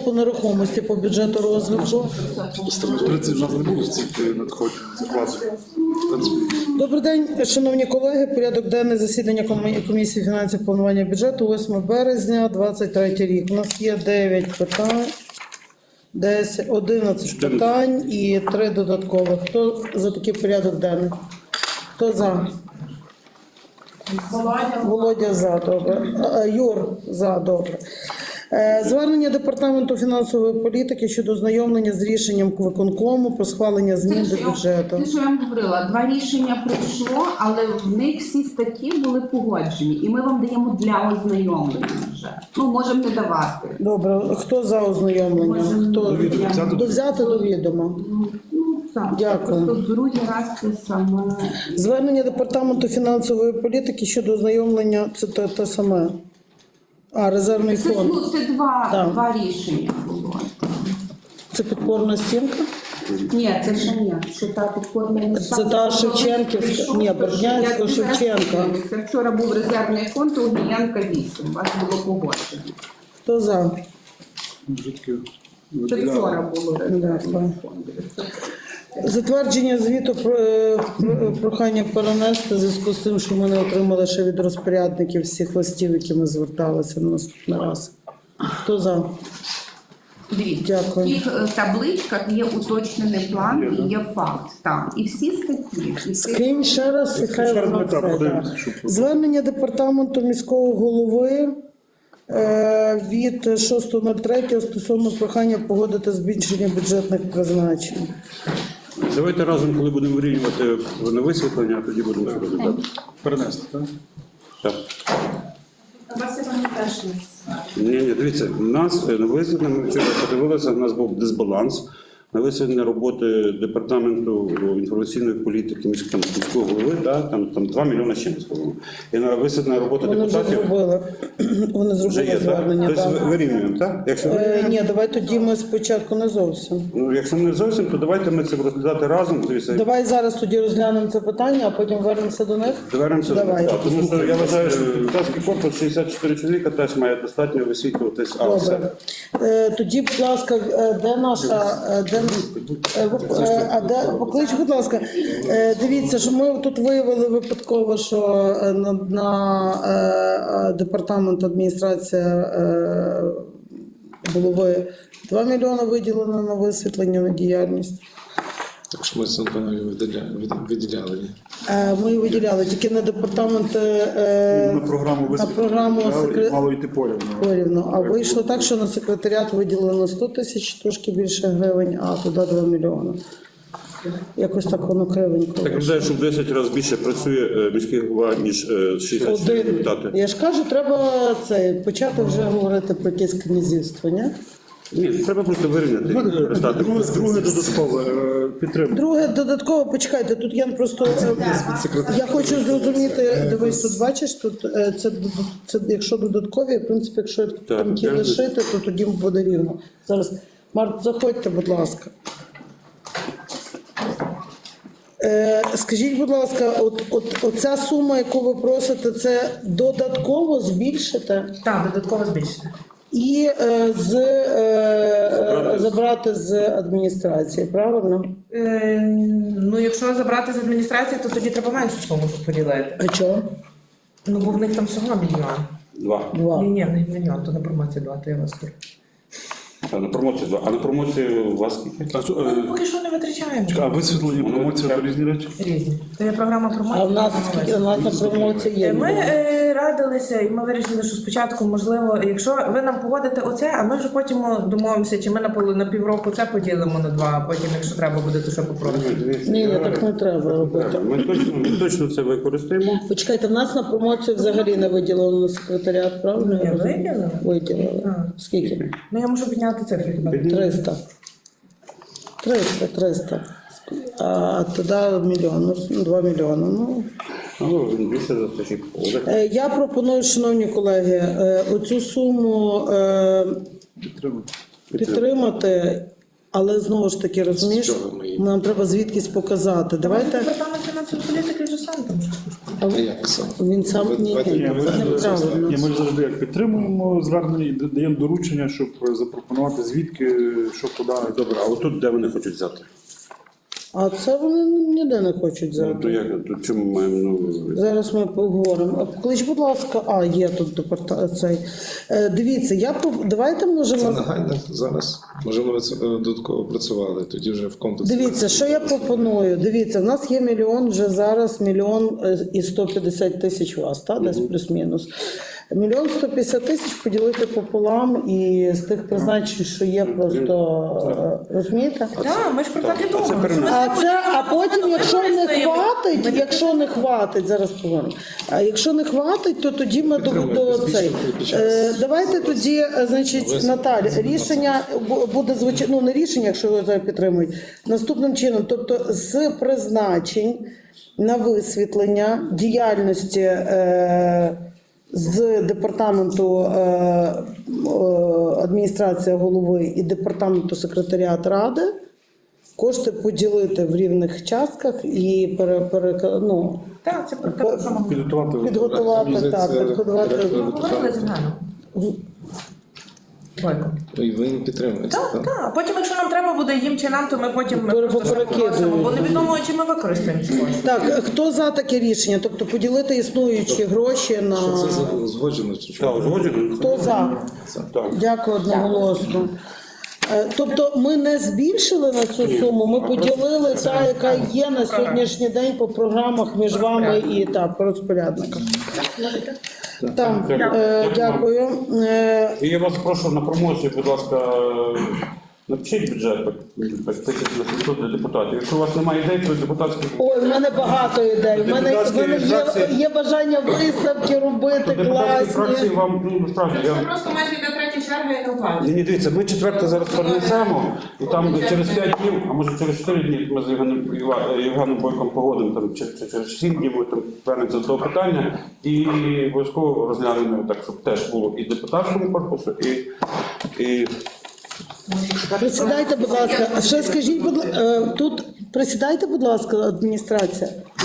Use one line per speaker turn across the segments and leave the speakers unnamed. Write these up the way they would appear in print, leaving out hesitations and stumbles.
по нерухомості по бюджету розвитку.
30 в нас не було стільки надходжень, закладів.
Добрий день, шановні колеги. Порядок денний засідання комісії фінансів планування бюджету 8 березня 2023 рік. У нас є 9 питань, 11 питань і 3 додаткових. Хто за такий порядок денний? Хто за? Володя за, добре. Юр за, добре. Звернення Департаменту фінансової політики щодо ознайомлення з рішенням виконкому про схвалення змін до бюджету.
Те, що я вам говорила, 2 рішення прийшло, але в них всі статті були погоджені. І ми вам даємо для ознайомлення вже. Ну, можемо не давати.
Добре, хто за ознайомлення? Хто взяти до відома? Дякую.
Просто другий раз те саме.
Звернення Департаменту фінансової політики щодо ознайомлення, це те саме. Резервний фонд.
Це два рішення було.
Це підпорна стінка?
Ні, це ще ні. Це та підпорна.
Це та Шевченківська, ні, Бердянська, Шевченка.
Це вчора був резервний фонд, у Гіянка 8. У вас було погоджено.
Хто за?
Це вчора було резервний фонд.
Затвердження звіту прохання перенести в зв'язку з тим, що ми не отримали ще від розпорядників всіх листів, які ми зверталися на наступний раз. Хто за?
Дивіться,
Дякую.
в тих табличках є уточнений план і є факт. Там. І всі статті.
Скинь ще раз, і хай воно це. Звернення Департаменту міського голови від 6.03 стосовно прохання погодити збільшення бюджетних призначень.
Давайте разом, коли будемо вирівнювати на висвітлення, а тоді будемо розглядати.
Перенести, так?
Так.
У вас є там теж
Ні, дивіться, у нас на висвітлення, ми вчора подивилися, у нас був дисбаланс. На висвітлення роботи Департаменту інформаційної політики міського голови, там 2 мільйони з чимось, по-моєму. І на висвітлення роботи
Вони вже
депутатів
зробили. Вони
вже
зробили
є, так?
звернення.
Тобто
Так.
вирівнюємо, так? Якщо
Ні, давай тоді ми спочатку не зовсім.
Ну, якщо не зовсім, то давайте ми це розглядати разом. Дивіться,
Давай зараз тоді розглянемо це питання, а потім вернемося до них.
Довернемося.
Давай.
Так, тому що я вважаю, що депутатський корпус 64 чоловіка теж має достатньо висвітлюватись.
Добре. Тоді, будь ласка, де наша... Поклич, будь ласка. Дивіться, що ми тут виявили випадково, що на департамент адміністрація голови 2 мільйони виділено на висвітлення, на діяльність.
Так що ми з Антонові виділяли.
Ми виділяли тільки на департамент,
На програму висвітлення мало йти порівну.
А вийшло так, що на секретаріат виділено 100 тисяч, трошки більше гривень, а туди 2 мільйони. Якось так воно кривенько.
Так вважаю, що в 10 разів більше працює міський голова, ніж 64 депутати.
Я ж кажу, треба почати вже говорити про якесь князівство, ні?
Ні, треба просто вирівняти.
Друге додаткове підтримка.
Друге додатково, почекайте, тут я просто, я хочу зрозуміти, дивись, тут бачиш, тут це якщо додаткові, в принципі, якщо там ті лишити, то тоді буде рівно. Зараз, Март, заходьте, будь ласка. Скажіть, будь ласка, оця сума, яку ви просите, це додатково збільшити?
Так, додатково збільшити.
І забрати з адміністрації, правильно?
Ну, якщо забрати з адміністрації, то тоді треба меншу суму поділити.
А чого?
Ну, бо в них там всього мільйон.
2.
Ні, в них мільйон, то на промоції 2, то я вас тут.
А на промоції 2. А на промоції у вас скільки?
Ну, поки що не витрачаємо.
А висвітлення, промоція – то різні речі?
Різні. То є програма промоції.
А в нас скільки? У нас на промоції є.
Ми радилися і ми вирішили, що спочатку, можливо, якщо ви нам погодите оце, а ми вже потім домовимося, чи ми на півроку це поділимо на 2, а потім, якщо треба буде, то ще попробуємо.
Ні, так не треба робити.
Ми точно це використаємо.
Почекайте, в нас на промоцію взагалі не виділено на секретаріат, правильно?
Ні, виділили.
Виділили. Скільки?
Ну, я можу підняти цифри хіба.
300. 300. А туди мільйон, 2 мільйони. Ну,
більше застачить.
я пропоную, шановні колеги, оцю суму підтримати, але знову ж таки, розумієш, нам треба звідкись показати. Давайте.
Департамент фінансової політики вже сам там щось.
Як саме?
Він сам ні,
Ні,
це неправильно.
ми ж завжди як підтримуємо звернення і даємо доручення, щоб запропонувати звідки, що куди.
Добре, а отут де вони хочуть взяти?
А це вони ніде не хочуть
Ну,
зараз.
то як, то чому ми маємо, ну,
Зараз ми поговоримо. Поклич, будь ласка, є тут цей. Дивіться, давайте
Це
можемо.
нагально зараз. Можливо, ви це додатково працювали, тоді вже в комплексі.
Дивіться, що я пропоную. Дивіться, в нас є мільйон вже зараз, 1,150 000 у вас, та десь плюс-мінус. 1,150 000 поділити пополам і з тих призначень, що є, просто розумієте?
Так, ми ж про так і думали.
А потім, якщо не хватить, зараз поговоримо. А якщо не хватить, то тоді ми до цей. Давайте тоді, значить, Наталя, рішення буде звучати, ну не рішення, якщо його зараз підтримують, наступним чином, тобто з призначень на висвітлення діяльності з департаменту адміністрації голови і департаменту секретаріат ради кошти поділити в рівних частках і
Так, це про те, що ми
Підготувати.
підготувати.
говорили з Ганом. Бойко.
І ви підтримуєте,
Так,
так?
так. А потім, якщо нам треба буде їм чи нам, то ми потім
Перекидуємо.
попросимо, бо невідомо, чи ми використаємо ці кошти.
Так, хто за таке рішення? Тобто поділити існуючі гроші на...
Що це узгоджено? Чи що?
так, узгоджено?
Хто за?
Так.
Дякую одноголосно. Тобто ми не збільшили на цю суму, ми поділили та, яка є на сьогоднішній день по програмах між вами і по розпорядникам. Так, дякую.
І я вас прошу на промоцію, будь ласка, напишіть бюджет так, 1700 для депутатів. Якщо у вас немає ідей, то депутатські...
Ой, в мене багато ідей. В мене є бажання виставки робити
Депутатські фракції
класні.
вам, ну, насправді,
Це просто майже йде третя черга, яка платить.
Ні, дивіться, ми четверте зараз перенесемо, і там через 5 днів, а може через 4 дні ми з Євгеном Бойком погодимо, там, чи через 7 днів ми там вернемося до того питання, і обов'язково розглянемо так, щоб теж було і депутатському корпусу, і
Присідайте, будь ласка. А ще скажіть, будь ласка, тут присідайте, будь ласка, адміністрація.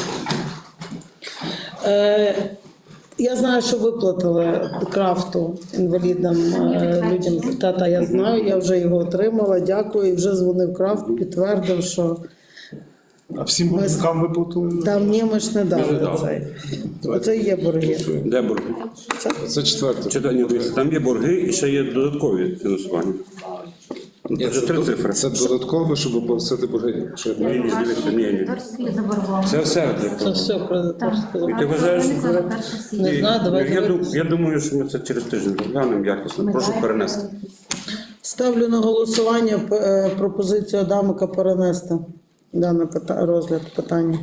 Я знаю, що виплатили крафту інвалідам, людям. Та, я знаю, я вже його отримала, дякую. І вже дзвонив крафт, підтвердив, що
А всім боргам виплатили?
там ні, ми ж не дали
дали.
цей. Оце є борги.
де борги?
Це четверте.
Ні, дивіться, там є борги і ще є додаткові фінансування.
Ні,
Це три цифри.
Це додатково, щоб оплатити борги. Що я
Ні, дивіться, ні. Це все.
Це все про
І ти вважаєш,
не знаю, давайте.
я думаю, що ми це через тиждень розглянемо якісно. Прошу перенести.
Ставлю на голосування пропозицію Адамика перенести дане розгляд питання.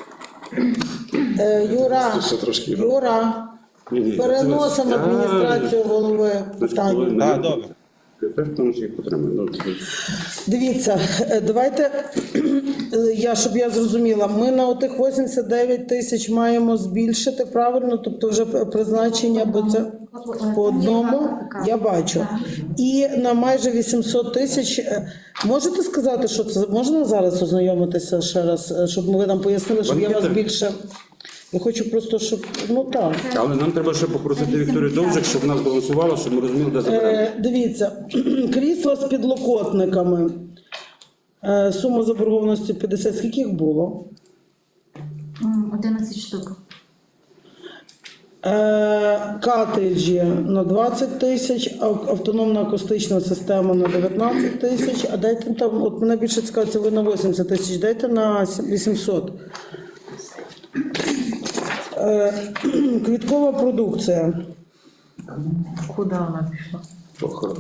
Ще трошки.
Юра,
Ні,
переносимо адміністрацію голови питання.
Так, добре. Теж тому всіх підтримую.
Дивіться, давайте, щоб я зрозуміла, ми на отих 89 тисяч маємо збільшити, правильно? Тобто вже призначення, бо це по одному, я бачу. І на майже 800 тисяч, можете сказати, що це, можна зараз ознайомитися ще раз, щоб ви нам пояснили, щоб я вас більше... Я хочу просто, щоб, так.
Але нам треба ще попросити Вікторію Довжик, щоб нас балансувало, щоб ми розуміли, де заберемо.
Дивіться, крісла з підлокотниками. Сума заборгованості 50. Скільки їх було?
11 штук.
Картриджі на 20 тисяч, автономна акустична система на 19 тисяч, а дайте там, от мене більше цікавиться, ви на 80 тисяч, дайте на 800. Квіткова продукція.
Куди вона пішла?
Похорон.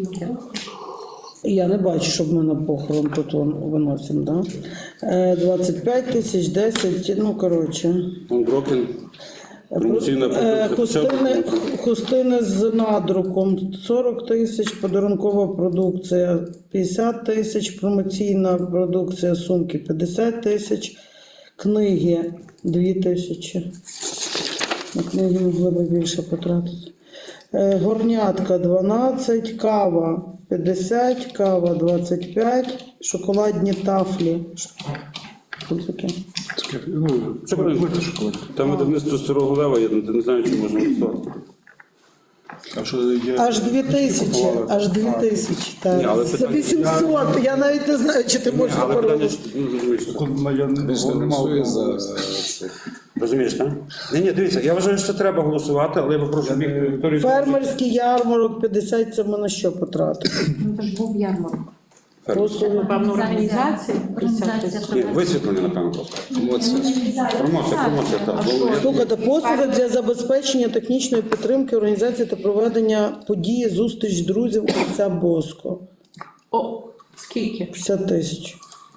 Я не бачу, щоб ми на похорон тут виносимо, да? 25 тисяч, 10, коротше.
Broken. Промоційна продукція.
Хустини з надруком 40 тисяч, подарункова продукція 50 тисяч, промоційна продукція сумки 50 тисяч, книги 2 тисячі. На книги могли б більше потратити. Горнятка 12, кава 50, кава 25, шоколадні тафлі Тут таке.
Ну,
Що буде?
плити шоколад.
Там видавництво старого лева, я не знаю, чи можна голосувати.
А що є?
Аж 2000, аж 2000, так.
Ні, але
За
питання-
800, я навіть не знаю, чи ти можеш
Але питання,
переробити.
що, ну, розумієш, що-
Я
Ми ж не
не мав
голосує за
права.
це.
розумієш, так? Ні, дивіться, я вважаю, що треба голосувати, але я попрошу Вікторію.
Фермерський ярмарок 50, це ми на що потратили?
Ну, то ж був ярмарок.
Просто
Напевно, організації.
Ні, висвітлення, напевно, просто.
Емоція.
Промоція, так.
слухайте, послуги для забезпечення технічної підтримки організації та проведення події зустріч друзів отця Боско.
О, скільки?
50 тисяч.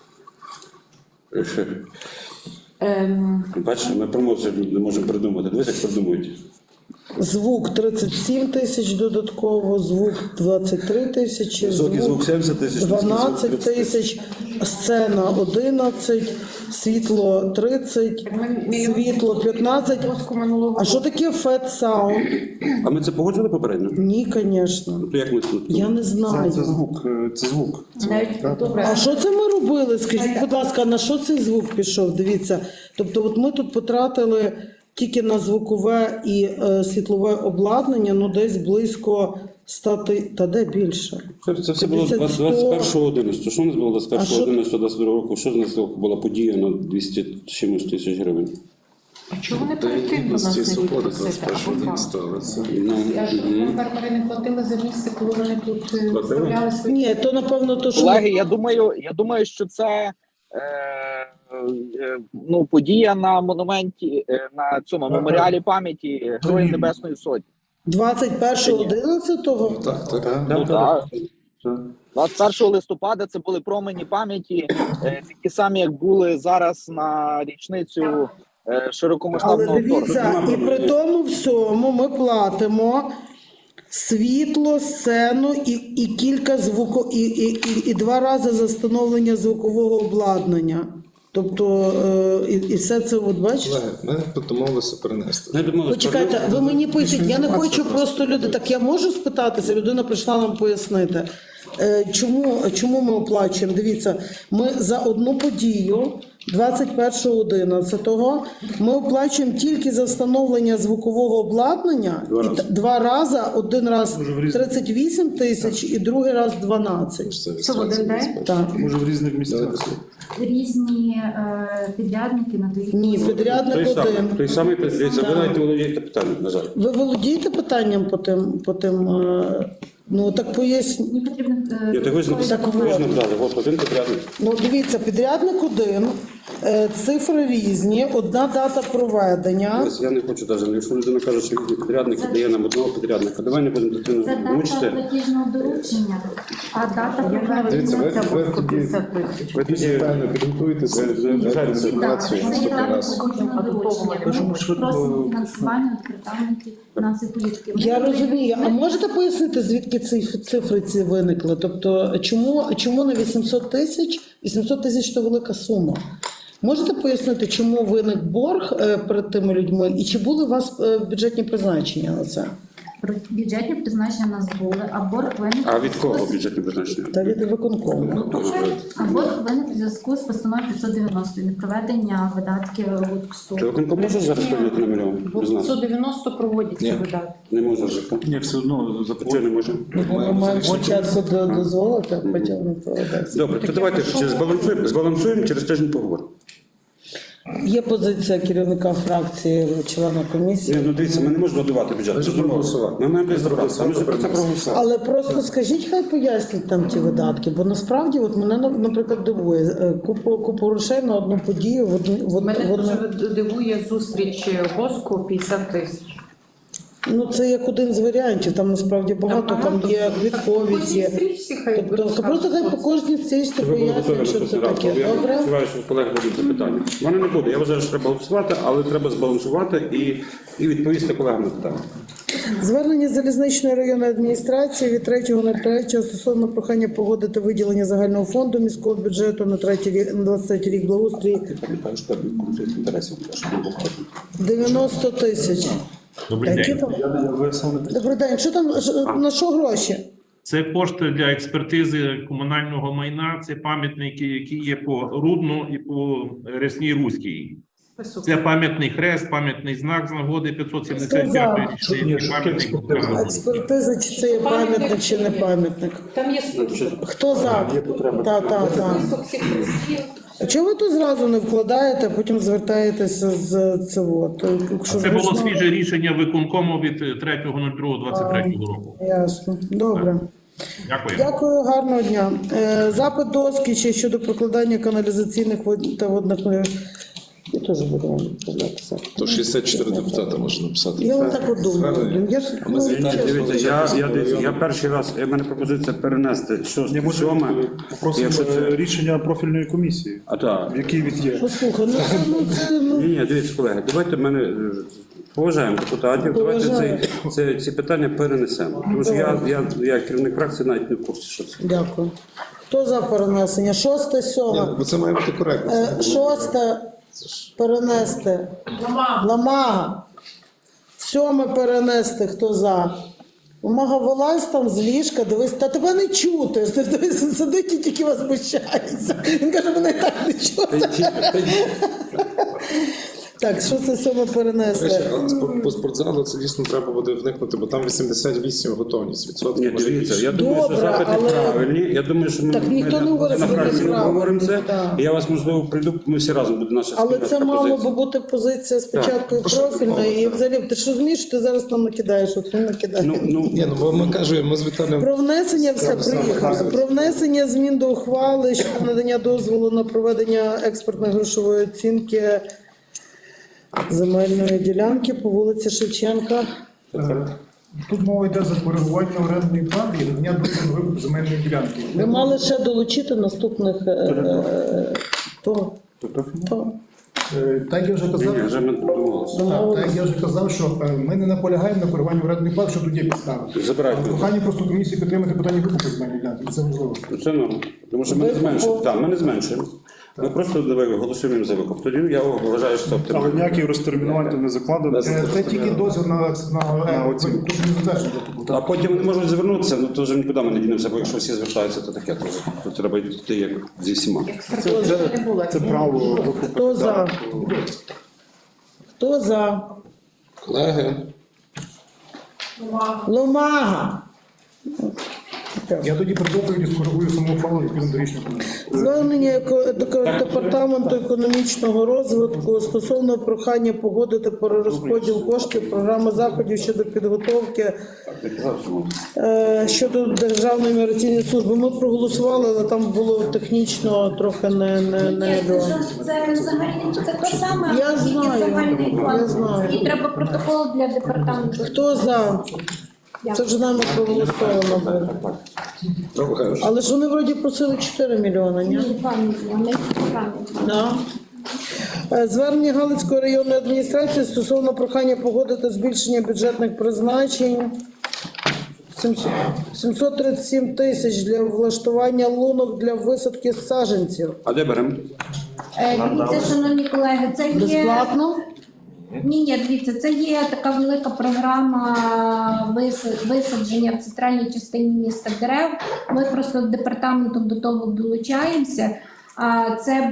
Бачиш, ми промоцію не можемо придумати. Дивись, як придумують.
Звук 37 тисяч додатково, звук 23 тисячі,
Високий звук 70 тисяч,
12
низький звук 30
тисяч, сцена 11, світло 30, світло 15. А що таке Fat Sound?
А ми це погоджували попередньо?
Ні, звісно.
То як ми це?
Я не
Це
знаю.
звук. Це звук.
Навіть добре.
А що це ми робили? Скажіть, будь ласка, на що цей звук пішов? Дивіться. Тобто, от ми тут потратили тільки на звукове і світлове обладнання, ну десь близько 100 тисяч, та де більше?
Це все було 21.11. Що у нас було 21.11.22 року? Що з нас була подія на 200 чимось тисяч гривень?
А чого вони
До
перед тим до нас
гідності
не
свободи
йдуть просити?
21
Або
рік стало. Це
Ну,
фермери не платили за місце, коли вони тут
Платили?
вставляли свої.
Ні, то напевно то, що
Колеги, я думаю, що це ну, подія на монументі, на цьому меморіалі пам'яті Героїв Небесної Сотні.
21.11-го.
так, так.
Ну, так. 21 листопада це були промені пам'яті, такі самі, як були зараз на річницю
Але
широкомасштабного вторгнення.
дивіться, і при тому всьому ми платимо світло, сцену і кілька і 2 рази за встановлення звукового обладнання. Тобто, і все це, от бачите?
Колеги, ми домовилися перенести.
я думаю,
Почекайте, ви мені пишіть, я не хочу просто люди. Так я можу спитатися, людина прийшла нам пояснити. Чому ми оплачуємо? Дивіться, ми за одну подію 21.11 ми оплачуємо тільки за встановлення звукового обладнання 2 рази, один раз 38 тисяч і другий раз 12.
Це в один день?
Так.
Може в різних місцях.
Різні підрядники надають.
Ні, підрядник один.
Той самий, дивіться, ви навіть володієте питанням, на жаль.
Ви володієте питанням по тим ну так поясніть.
Мені потрібно
Я так ви ж
Так
наказали, от один підрядник.
Ну, дивіться, підрядник один, цифри різні, одна дата проведення.
Ось я не хочу навіть, якщо людина каже, що різні підрядники, дає нам одного підрядника. Давай не будемо дитину
це дата
мучити.
платіжного доручення, а дата
Дивіться,
проведення.
ви тоді, ви тоді певно підготуєтеся, дайте
Ці
інформацію
дати, це є
наступний
дата
раз.
платіжного доручення. Ми просимо фінансування від департаментів фінансової політики.
Я розумію, а можете пояснити, звідки ці цифри ці виникли? Тобто, чому на 800 тисяч? 800 тисяч – це велика сума. Можете пояснити, чому виник борг перед тими людьми і чи були у вас бюджетні призначення на це?
Бюджетні призначення в нас були, а борг виник.
А від кого бюджетні призначення?
Та від виконкому.
А борг виник у зв'язку з постановою 590 непроведення видатків ЛУКСу.
Чи виконком може зараз прийняти на мільйон? Не знаю.
190 проводяться
Ні.
видатки.
Не може жити.
Ні, все одно
Чого
заплатили.
не може?
Ми маємо спочатку дозволити, а потім не проведеться.
Добре, то давайте збалансуємо, через тиждень поговоримо.
Є позиція керівника фракції, члена комісії.
Ні, ну дивіться, ми не можемо додавати бюджет.
Ми ж проголосували.
Ми маємо розібратися, ми ж про це проголосували.
Але просто скажіть, хай пояснять там ті видатки, бо насправді от мене, наприклад, дивує купу грошей на одну подію
Мене
в
дуже дивує зустріч Боску 50 тисяч.
Ну це як один з варіантів. Там насправді багато, там є квітковість, є. Тобто просто хай по кожній стрічці
Щоб ви були готові
пояснять, що це
наступний раз.
таке.
Я
Добре?
сподіваюся, що колеги будуть запитання. У мене не буде. Я вважаю, що треба голосувати, але треба збалансувати і відповісти колегам на питання.
Звернення залізничної районної адміністрації від 3.03 стосовно прохання погодити виділення загального фонду міського бюджету на 23 рік благоустрій
Пам'ятаю, що там конфлікт інтересів, щоб не було.
90 тисяч.
Добрий
Які
день.
там? Добрий день. Що там, на що гроші?
Це кошти для експертизи комунального майна, це пам'ятники, які є по Рудну і по Рясній Руській. Це пам'ятний хрест, пам'ятний знак з нагоди 575-ї річниці, пам'ятник Україні.
Експертиза, чи це є пам'ятник, чи не пам'ятник.
Там є список.
Хто за? Так.
Список всіх листів.
А чого ви тут зразу не вкладаєте, а потім звертаєтеся з цього?
Це було свіже рішення виконкому від 3.02.23 року.
Ясно. Добре.
Дякую.
Дякую, гарного дня. Запит до Оскіча щодо прокладання каналізаційних та водних мереж. Я теж буду вам відправляти запит.
То 64 депутата можна написати.
Я отак от думаю.
Звернення.
Я ж,
ми звітаємо.
Дивіться, я перший раз, у мене пропозиція перенести 6-7,
Попросимо
якщо це...
рішення профільної комісії,
А так.
в якій він є.
послухай,
Ні, дивіться, колеги, давайте мене поважаємо депутатів, давайте ці питання перенесемо. Тому що я керівник фракції навіть не в курсі, що це.
Дякую. Хто за перенесення? 6,
Ні,
7.
бо це має бути коректно.
6 перенести. Ламага. 7 перенести. Хто за? Ламага, вилазь там з ліжка, дивись, та тебе не чути. Дивись, сидить і тільки вас вищається. Він каже, мене і так не чути. Так, що це 7
До
перенести?
речі, по спортзалу це дійсно треба буде вникнути, бо там 88 готовність відсотків.
Ні, дивіться, я думаю, що
Добре,
запити
але-
правильні. Я думаю, що ми
Так ніхто не говорить,
на
що вони
фракції
правильні,
говоримо це.
так.
І я вас, можливо, прийду, ми всі разом буде наша
Але
спільна
це мало
пропозиція.
би бути позиція спочатку і профільна, і взагалі, ти ж розумієш, що ти зараз нам накидаєш, от він накидає.
Ні, ну бо ми кажемо, ми з Віталієм...
Про внесення все приїхали. Про внесення змін до ухвали щодо надання дозволу на проведення експертної грошової оцінки земельної ділянки по вулиці Шевченка.
Тут мова йде за коригування орендної плати і надання дозволу на викуп земельної ділянки.
Ви мали ще долучити наступних то.
Так я вже казав,
Ні, вже ми домовилися.
так я вже казав, що ми не наполягаємо на коригуванні орендної плати, що тут є підстави.
Забирайте.
Прохання просто комісії підтримати питання викупу земельної ділянки, і це важливо.
Це норма. Тому що ми не зменшуємо. Так, ми не зменшуємо. Ми просто голосуємо за викуп. Тоді я вважаю, що це
Але
оптимально.
ніяких розтермінувань не закладено. Це тільки дозвіл на оцінку. Тут не затверджено.
А потім вони можуть звернутися, ну то вже нікуди ми не дінемося, бо якщо всі звертаються, то таке. То треба йти як зі всіма.
Це право викупу.
Хто за? Хто за?
Колеги,
Ломага.
Я тоді при доповіді скоригую саму ухвалу відповідно до рішення комісії.
Звернення до департаменту економічного розвитку стосовно прохання погодити перерозподіл коштів програми заходів щодо підготовки щодо Державної міграційної служби. Ми проголосували, але там було технічно трохи не
Це взагалі це те саме,
Я
тільки
знаю,
загальний
я
план.
знаю.
І треба протокол для департаменту.
Хто за? Це вже нами проголосовано було. Але ж вони вроді просили 4 мільйони, ні?
Ні, пані, не правильно.
Да. Звернення Галицької районної адміністрації стосовно прохання погодити збільшення бюджетних призначень. 737 тисяч для влаштування лунок для висадки саджанців.
А де беремо?
Дивіться, шановні колеги, це є...
Безплатно?
Ні, дивіться, це є така велика програма висадження в центральній частині міста дерев. Ми просто департаментом до того долучаємося. Це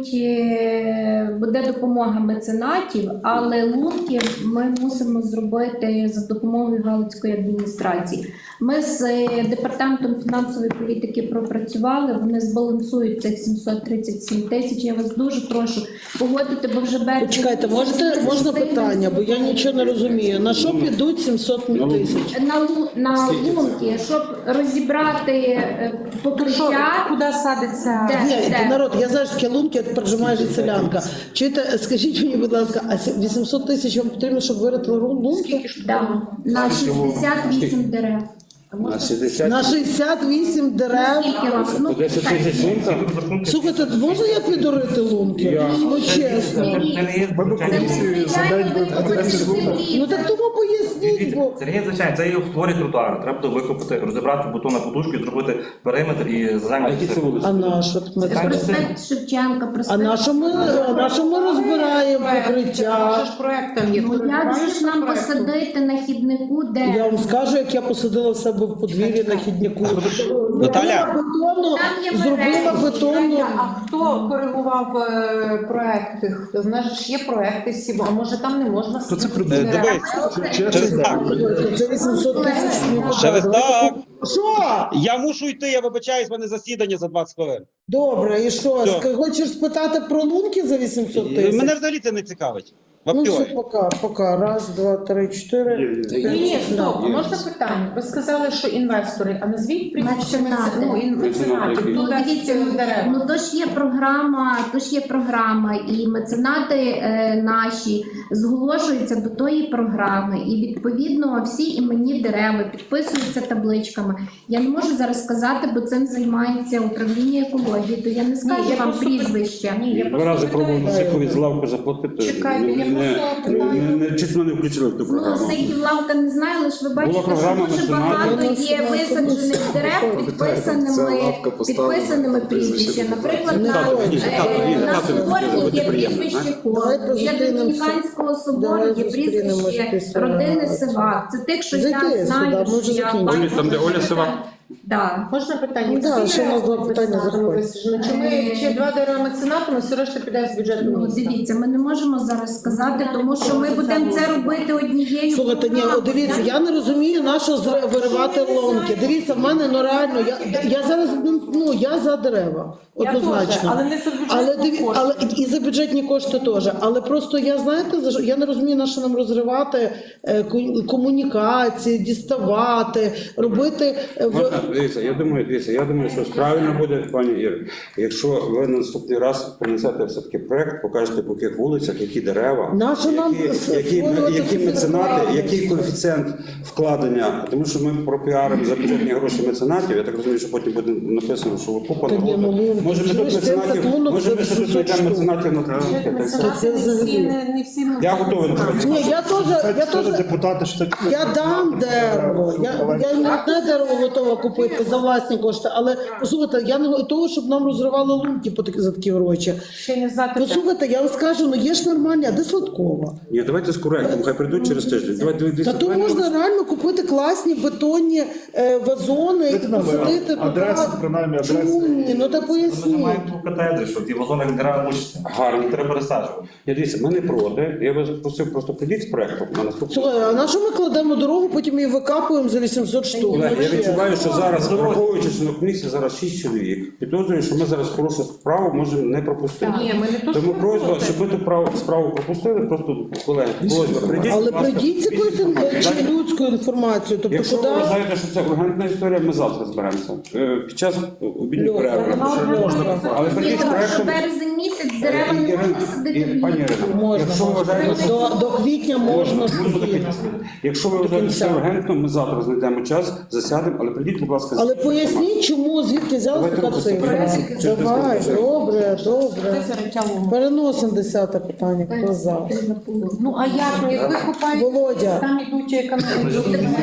буде допомога меценатів, але лунки ми мусимо зробити за допомогою Галицької адміністрації. Ми з департаментом фінансової політики пропрацювали, вони збалансують цих 737 тисяч. Я вас дуже прошу погодити, бо вже березень.
Почекайте, можна питання, бо я нічого не розумію. На що підуть 700 тисяч?
На лунки, щоб розібрати покриття.
Куди садиться?
Ні, народ, я знаю, що таке лунки, як прожимає селянка. Чуєте, скажіть мені, будь ласка, а 800 тисяч вам потрібно, щоб виритили лунки?
Да, на 68 дерев.
На 60.
На 68 дерев.
Скільки вам? Ну,
10 тисяч лунка?
Слухайте, можна я підорити лунки? Ну чесно.
Ми до комісії за день
Ну так тому поясніть, бо...
Це не звичайно, це є створює тротуари. Треба буде викопати, розібрати бетонну подушку і зробити периметр і займатися.
А на що?
проспект Шевченка,
А
проспект.
на що ми розбираємо покриття?
Це ж проект там є.
Ну як же ж нам посадити на хіднику,
Я
де
вам скажу, як я посадила в себе себе в подвір'ї на хідняку.
Наталя.
Зробила бетонну.
А хто коригував проекти? В нас ж є проекти СІБО, а може там не можна
То це
сидіти?
Через так.
Це 800 тисяч.
Через так.
Що?
Я мушу йти, я вибачаюсь, в мене засідання за 20 хвилин.
Добре, і що?
Все.
Хочеш спитати про лунки за 800 тисяч?
Мене взагалі це не цікавить.
Ну все,
Ваптьой.
пока. Раз, два, три, чотири.
Ні, стоп, можна питання? Ви сказали, що інвестори, а назвіть прізвище меценатів.
Ну, дивіться, ну то ж є програма, і меценати наші зголошуються до тої програми, і відповідно всі іменні дерева підписуються табличками. Я не можу зараз сказати, бо цим займається управління екології, то я не скажу
я
вам
просто-
прізвище.
Ні, я
Два рази
просто
пробував Сихові з лавки заплатити.
Чекайте, я
Чесно, не включили в ту
Ну,
програму.
Сихів лавка не знаю, лише ви бачите,
програма
що дуже
національна.
багато є висаджених дерев підписаними прізвищами. Наприклад, на соборі є прізвище Хор, біля Домініканського собору є прізвище родини Сивак. Це тих, що я
Зайди
знаю,
сюди, ми вже
що я
закінчили.
бачу.
Там, де Оля Сивак.
Да.
Можна питання?
Да,
Всі
ще у нас два
дерева
питання
меценатами
заходять.
висаджені? Чи 2 дерева меценатами, все решта піде з бюджету
Ну,
міста?
дивіться, ми не можемо зараз сказати, тому що ми будемо це робити однією.
Слухайте, ні, от дивіться, я не розумію, на що виривати ломки. Дивіться, в мене, ну реально, я зараз, ну, я за дерева, однозначно.
Але не за
Але,
бюджетні кошти.
але і за бюджетні кошти теж. Але просто я, знаєте, я не розумію, на що нам розривати комунікації, діставати, робити...
Можна, дивіться, я думаю, що правильно буде, пані Іро, якщо ви на наступний раз принесете все-таки проект, покажете, по яких вулицях, які дерева,
Нащо нам
які меценати, який коефіцієнт вкладення, тому що ми пропіаримо за бюджетні гроші меценатів, я так розумію, що потім буде написано, що купа
Та ні, ну,
народу. Може ми тут
чуєш, цим
меценатів,
законом
може ми
за
тут
800
знайдемо
штук.
меценатів на
Меценати не всі
Я готовий на це.
Ні, я теж
депутати, що це...
я дам дерево. Я не дерево готова купити за власні кошти, але послухайте, я не готова, щоб нам розривали лунки за такі гроші.
ще не знати.
Послухайте, я вам скажу, ну є ж нормальні, а де Сладкова?
Ні, давайте з коректом, хай прийдуть через тиждень.
Та то можна реально купити класні бетонні вазони і посадити
Адреси, принаймні, адреси.
Чому ні? Ну та
Ми
поясніть.
маємо ту катедри, що ті вазони дерева мучаться.
Гарно.
Треба пересаджувати.
Я дивіться, ми не проти. Я вас просив просто прийдіть з проектом на наступний.
Слухай, а на що ми кладемо дорогу, потім її викапуємо за 800 штук?
Колеги, я
Ну,
відчуваю, що зараз, враховуючи, що на комісії зараз 6 чоловік, підозрюю, що ми зараз хорошу справу можемо не пропустити.
Ні, ми не то,
Тому
що
просьба,
проти.
щоб ми ту справу пропустили, просто, колеги, просьба, прийдіть,
Але
будь ласка,
прийдіть з якоюсь чи людською інформацією, тобто
Якщо
куди...
ви вважаєте, що це ургентна історія, ми завтра зберемося. Під час обідньої перерви. Але прийдіть з проектом.
Березень місяць з деревами не
Ірина,
можна садити в
пані
ліс.
Ірина, якщо ви вважаєте, що
До квітня можна
Можна
спокійно.
якщо ви вважаєте, що це ургентно, ми завтра знайдемо час, засядемо, але прийдіть, будь ласка, з
Але
інформацією.
поясніть, чому, звідки взялася
Давайте
така цифра?
рухатися.
Давай, добре.
Це речало.
Переносимо 10-те питання, хто за?
Ну а як? Ну, як ви купаєте,
Володя.
там ідуть економіки.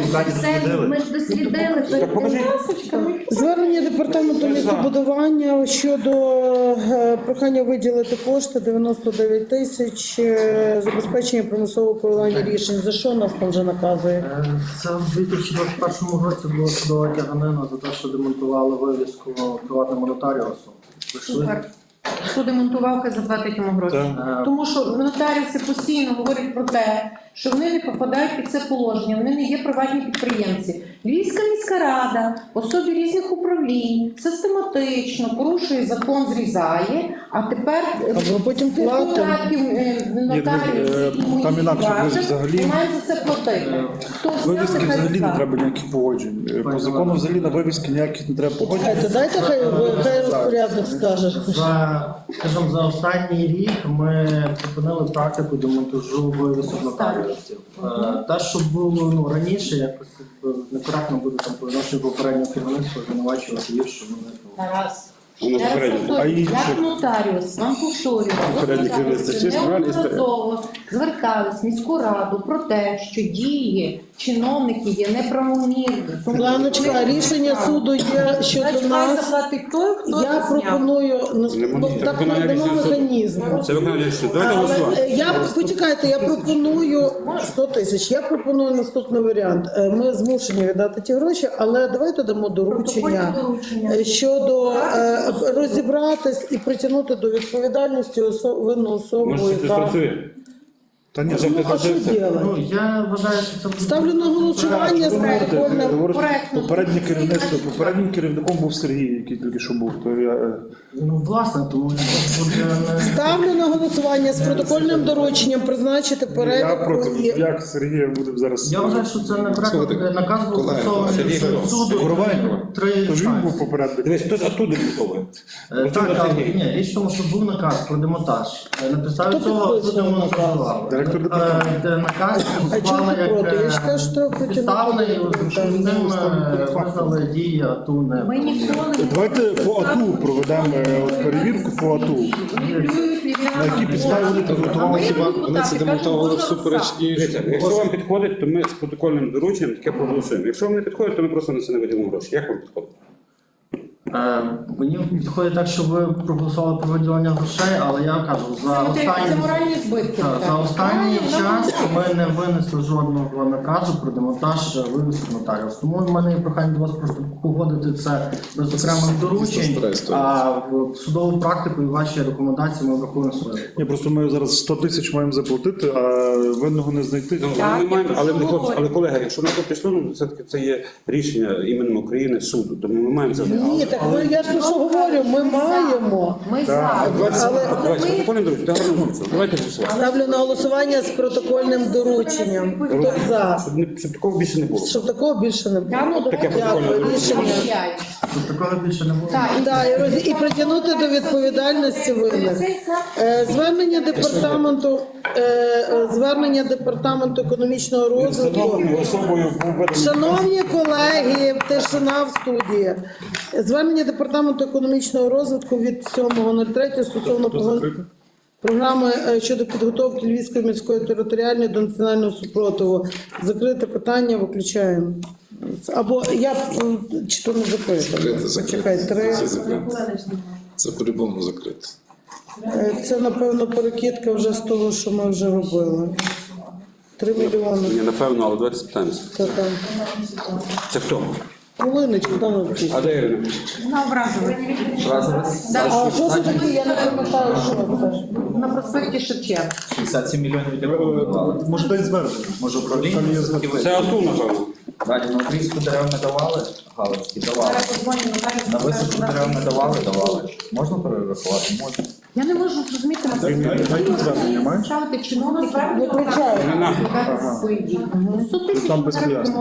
Ми ж дослідили.
Так покажіть.
Звернення департаменту містобудування щодо прохання виділити кошти 99 тисяч забезпечення примусового виконання рішень. За що нас там вже наказує?
Це в 2021 році було судова тяганина за те, що демонтували вивіску приватному нотаріусу. Прийшли.
Супер. Хто демонтував, хай заплатить йому гроші. Тому що нотаріуси постійно говорять про те, що вони не попадають під це положення, вони не є приватні підприємці. Львівська міська рада, особі різних управлінь, систематично порушує закон, зрізає, а тепер
Або потім платимо.
нотаріусів і
там інакше,
моїх
ви взагалі-
мають за це платити. Хто
Вивіски
зняти, хай
взагалі не
зняти.
треба ніяких погоджень. По закону взагалі на вивіски ніяких не треба погоджень.
Дайте хай розпорядник скаже.
Скажімо, за останній рік ми припинили практику демонтажу вивісок нотаріусів. Те, що було раніше, якось некоректно буде там по відношенню попереднього керівництва звинувачувати їх, що вони там.
Тарас.
Воно попередньо.
А інші?
Як нотаріус, вам повторюю,
Попередній керівництво, це чесно, реальна історія.
неодноразово звертались в міську раду про те, що дії чиновників є неправомірні. Тому
Ланочка, рішення суду є щодо
Значить, хай
нас.
заплатить той, хто
Я
зняв.
пропоную так
виконання
надамо
рішення суду.
механізм.
Це виконання рішення. Давайте
Але
голосувати.
почекайте, я пропоную 100 тисяч. Я пропоную наступний варіант. Ми змушені віддати ті гроші, але давайте дамо доручення щодо розібратись і притягнути до відповідальності винну особу,
Може, це
яка
працює?
Та ні,
а що робити?
Ну, я вважаю, що це
Ставлю на голосування з протокольним.
Попереднє керівництво, попереднім керівником був Сергій, який тільки що був. То я,
ну власне, тому що буде
Ставлю на голосування з протокольним дорученням призначити
я
перелік.
проти, як Сергія буде зараз.
я вважаю, що це некоректно. Наказ був
колеги,
стосований
Сергій
суду.
Коровайко.
Три
То ж він
інстанції.
був попередник.
Дивись, хтось оттуда підходить.
Так, але ні, річ в тому, що був наказ про демонтаж. На підставі
Хто
цього
підписував
демонтажували.
Директор департаменту.
Наказ
А чому
склали
ти проти? Я вважаю, що треба
підставний,
притягнути
що з ним визнали дії АТУ не.
Ми ніколи не
Давайте по АТУ проведемо перевірку по АТУ. На якій підставі вони підготували хіба?
Вони це демонтували всупереч і
Дивіться, якщо вам підходить, то ми з протокольним дорученням таке проголосуємо. Якщо вам не підходить, то ми просто на це не виділимо гроші. Як вам підходить?
Мені підходить так, що ви проголосували про виділення грошей, але я кажу,
це моральні збитки.
за останній час ми не винесли жодного наказу про демонтаж вивісу нотаріус. Тому в мене є прохання до вас просто погодити це без окремих доручень, а в судову практику і ваші рекомендації ми врахуємо своє.
Ні, просто ми зараз 100 тисяч маємо заплатити, а винного не знайти.
Ну, ми маємо, але колеги, якщо на то пішло, ну все-таки це є рішення іменем України суду, тому ми маємо це.
Ні, так я ж про що говорю, ми маємо.
Ми за.
Давайте протокольним дорученням. Давайте голосувати.
Ставлю на голосування з протокольним дорученням. Хто за?
Щоб такого більше не було.
Щоб такого більше не було.
Таке протокольне
Дякую,
доручення.
рішення.
Тут такого більше не було.
Так, і притягнути до відповідальності винних. Звернення департаменту економічного розвитку.
Особою був виданий.
Шановні колеги, тишина в студії. Звернення департаменту економічного розвитку від 7.03 стосовно програми щодо підготовки Львівської міської територіальної до національного супротиву. Закрите питання, виключаємо. Або я чи то не закрите. Почекай, 3.
це по-любому закрито.
Це, напевно, перекидка вже з того, що ми вже робили. 3 мільйони.
Ні, напевно, але давайте спитаємося.
Та-та.
Це хто?
Волиночка, там написано.
А де Ірина?
На образовець.
А що це таке? Я не пам'ятаю, що це теж.
На проспекті Шевченка.
67 мільйонів для кого?
Може десь звернення.
Може управління?
Це АТУ, напевно.
Далі на отрізку дерев не давали, Галицькі давали. На висадку дерев не давали. Можна перерахувати? Можна.
Я не можу зрозуміти,
Дайте звернення, маєш?
ставити чиновників,
Виключаю.
свої дії. 100 тисяч
Там без
ми
пояснень.